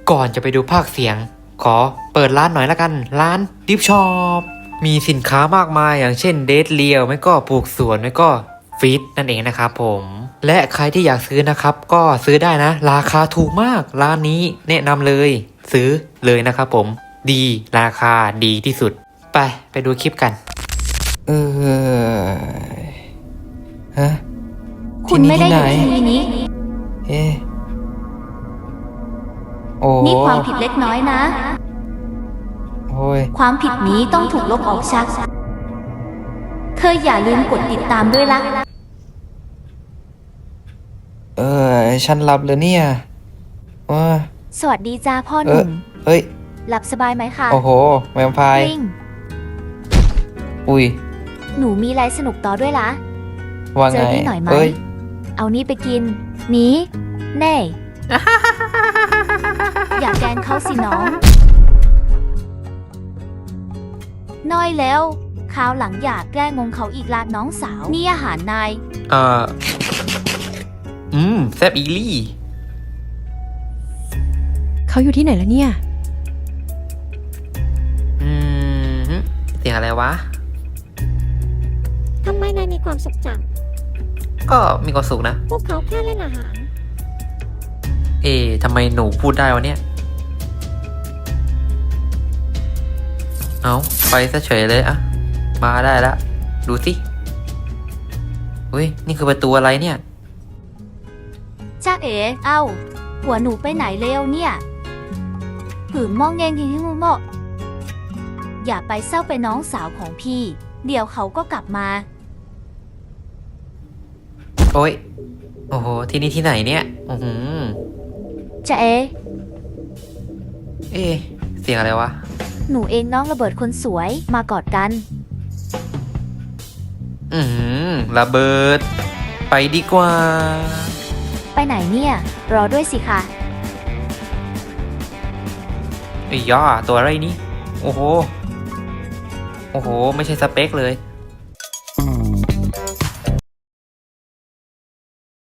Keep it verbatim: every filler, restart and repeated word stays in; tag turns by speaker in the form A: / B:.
A: ก่อนจะไปดูภาคเสียงขอเปิดร้านหน่อยละกันร้านดิฟช็อปมีสินค้ามากมายอย่างเช่นเดทเลียวไม่ก็ปลูกสวนไม่ก็ฟีดนั่นเองนะครับผมและใครที่อยากซื้อนะครับก็ซื้อได้นะราคาถูกมากร้านนี้แนะนำเลยซื้อเลยนะครับผมดีราคาดีที่สุดไปไปดูคลิปกันเออฮะ
B: คุณไม่ได้อยู่ที่นี้
A: เอ๊ะโอ้
B: นี่ความผิดเล็กน้อยนะ
A: โอ้ย
B: ความผิดนี้ต้องถูกลบออกชักเธออย่าลืมกดติดตามด้วยล่ะ
A: เออฉันหลับเลยเนี่ยว้า
B: สวัสดีจ้าพ่อห
A: เอ
B: นุ่
A: อ
B: ม
A: เฮ้ย
B: หลับสบายไหมคะ
A: โอ้โหแวมไพร์
B: ลิง
A: อุ้ย
B: หนูมีอะไรสนุกต่อด้วยล่ะ
A: ว่า
B: เจ
A: ไง
B: อนี่หน่อยไหม
A: เอ้ย
B: เอานี่ไปกิน นี้ แน่ อย่าแกล้งเขาสิน้อง น้อยแล้วคราวหลังอย่าแกล้งงงเขาอีกลาดน้องสาว นี่อาหารนาย
A: เอ่ออืมแซบอีลี่
C: เขาอยู่ที่ไหนแล้วเนี่ย
A: อืมเสียงอะไรวะ
D: ทำไมนายมีความสุขจัง
A: ก็มีความสุขนะ
D: พวกเขาแค่เล่นอาหาร
A: เอ๊ะทำไมหนูพูดได้วะเนี่ย เอาไปซะเฉยเลยอะมาได้ละดูสิอุ้ยนี่คือประตูอะไรเนี่ย
B: จ้าเอ๋เอ้า หัวหนูไปไหนเร็วเนี่ยหืมมองเงงที่มูโมะอย่าไปเศร้าไปน้องสาวของพี่ เดี๋ยวเขาก็กลับมา
A: โอ้ย โอ้โห ที่นี่ที่ไหนเนี่ย อือหือ
B: จ้าเอ๋
A: เอ๊ะเสียงอะไรวะ
B: หนูเองน้องระเบิดคนสวยมากอดกัน
A: อือหือระเบิด ไปดีกว่า
B: ไปไหนเนี่ย รอด้วยสิค่ะ
A: ไอ้ย่าตัวอะไรนี่ โอ้โห โอ้โห ไม่ใช่สเปคเลย